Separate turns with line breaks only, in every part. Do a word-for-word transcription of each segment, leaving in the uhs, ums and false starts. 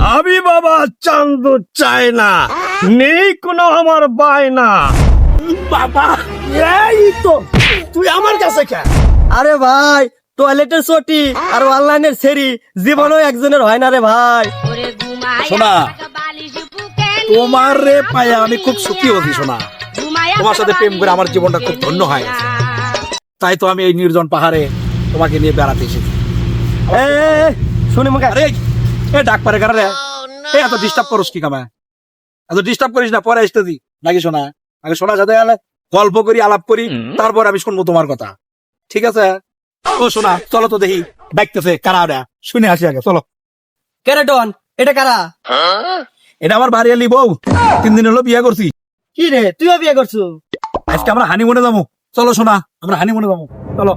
আমি বাবা চান্দ চাই না, নেই কোনো আমার বায়না। বাবা এই তো তুই আমার কাছে কে?
আরে ভাই, টয়লেটের চটি আর অনলাইনের সেরি জীবনও একজনের হয় না রে ভাই।
শোনা, তোমার রে পায়া আমি খুব সুখী হচ্ছি শোনা। তোমার সাথে প্রেম করে আমার জীবনটা খুব ধন্য হয় গেছে। তাই তো আমি এই নির্জন পাহাড়ে তোমাকে নিয়ে বেড়াতে এসেছি।
এ, এ, এ, শুনি মুখে।
আরে এ ডাক পারে কারা রে? এ এত ডিস্টার্ব করস কি কামা? এত ডিস্টার্ব করিস না, পরে আসতে দি নাকি শোনা। আগে শোনা সাথে আলে গল্প করি, আলাপ করি, তারপর আমি শুনবো তোমার কথা, ঠিক আছে? ও শোনা, চলো তো দেখি ডাকতেছে কারা ওরা, শুনে আসি আগে চলো।
কেরে ডন, এটা কারা?
এটা আমার বাড়ি বউ, তিন দিন হলো বিয়ে করছি।
কি রে, তুইও বিয়ে করছো?
আজকে আমরা হানিমুনে যাবো, চলো শোনা, আমরা হানিমুনে যাবো, চলো।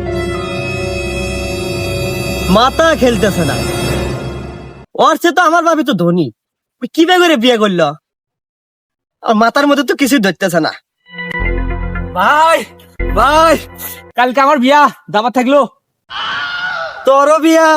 মাথা খেলতেছে না, ওর সে তো আমার ভাবি তো ধনী, ওই কি করে বিয়ে করলো? আর মাথার মধ্যে তো কিছু ধরতেছে না।
ভাই ভাই, কালকে আমার বিয়া, দাবার থাকলো।
তোরও বিয়া?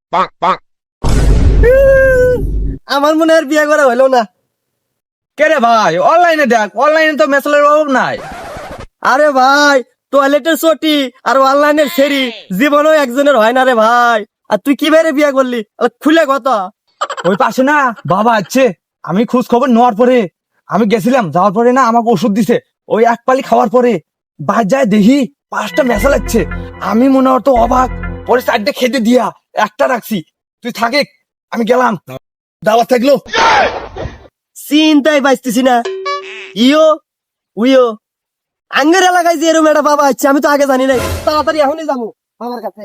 আমার মনে হয় বিয়ে করা হলো না।
কে রে ভাই, অনলাইনে দেখ, অনলাইনে তো মেসেলের অভাব নাই।
আরে ভাই, টয়লেটের চটি আর অনলাইনের সেরি জীবনও একজনের হয় না রে ভাই। আর তুই কি বাইরে বিয়ে করলি? আর খুলে কত?
ওই পাশে না বাবা আছে, আমি খোঁজ খবর নেওয়ার পরে আমি গেছিলাম, যাওয়ার পরে না আমাকে ওষুধ দিছে। ওই এক পালি খাওয়ার পরে বাদ যায় দেখি পাঁচটা মেসা লাগছে। আমি মনে হতো অবাক, পরে চারটে খেতে দিয়া একটা রাখছি। তুই থাকে, আমি গেলাম, দাওয়াত থাকলো।
চিন্তাই পাইতেছি না। ইও উইও আঙ্গের এলাকায় যে এরকম একটা বাবা আছে, আমি তো আগে জানি নাই। তাড়াতাড়ি এখনই যাবো বাবার কাছে।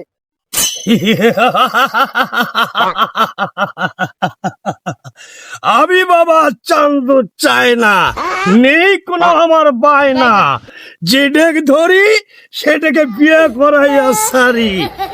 আমি বাবা চান্দ চাই না, নেই কোনো আমার বায়না, যেটাকে ধরি সেটাকে বিয়ে করাইয়া সারি।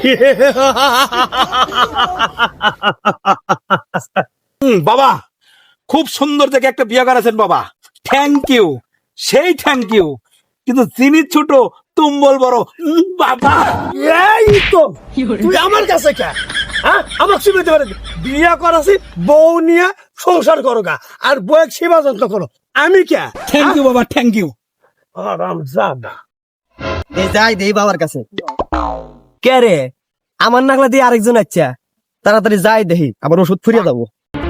হুম, বাবা খুব সুন্দর থেকে একটা বিয়ে করেছেন বাবা, থ্যাংক ইউ, সেই থ্যাংক ইউ। কিন্তু যিনি ছোট তুম্বল বড়। উম, বাবা
এই তো তুই আমার কাছে কে? হ্যাঁ, আমার সুবিধা পারে বিয়ে করাছি, বউ নিয়ে সংসার করো গা, আর বউয়ের সেবা যত্ন করো। আমি কে?
থ্যাংক ইউ বাবা, থ্যাংক ইউ।
আরাম জাদা।
এই যাই দেই বাবার কাছে। কে রে, আমার নাগলা দিয়ে আরেকজন আচ্ছা, তাড়াতাড়ি যাই দেখি, আবার ওষুধ ফুরিয়ে যাবো।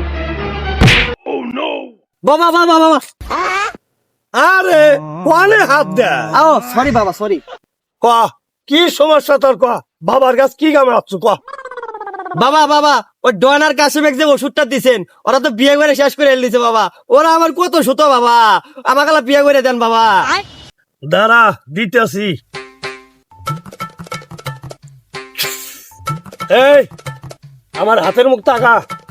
বাবা বাবা বাবা,
আরে কোয়ালে হাত দে।
আও সরি বাবা, সরি।
ক কি সমস্যা তোর? ক বাবার কাছে কি কামে আসছো? ক
বাবা বাবা, ওই ডনার কাছে যে ওষুধটা দিছেন, ওরা তো বিয়ে করে শেষ করে দিছে বাবা। ওরা আমার কত সুতো বাবা, আমাকে বিয়ে করে দেন বাবা।
দাঁড়া দিতেছি। এই আমার হাতের মুখ তাকা।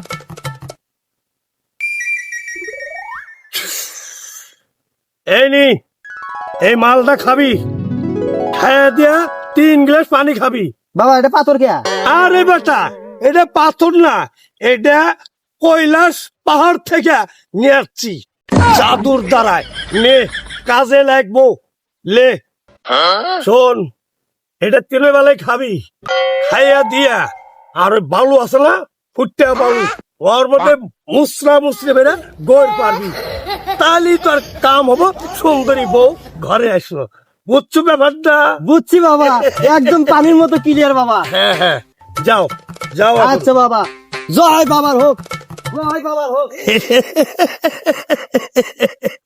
এই নি, এই মালটা খাবি, খাইয়া দিয়া তিন গ্লাস পানি খাবি।
বাবা এটা পাথর কে?
আরে বেটা, এটা পাথর না, এটা কৈলাস পাহাড় থেকে নিয়ে আসছি জাদুর দ্বারায়। নে কাজে লাগবো, লে। শোন, এটা তিনের বেলায় খাবি, খাইয়া দিয়া আর ওই বালু আছে না, ফুটতে বালু, ওর মধ্যে মুসরা মুসরে বেড়ে গোর পারবি, তাহলেই তোর কাম হবো, সুন্দরী বউ ঘরে আসলো। বুঝছো ব্যাপারটা?
বুঝছি বাবা, একদম পানির মতো ক্লিয়ার বাবা।
হ্যাঁ হ্যাঁ, যাও যাও এখন।
আচ্ছা বাবা, জয় বাবার হোক, জয় বাবার হোক।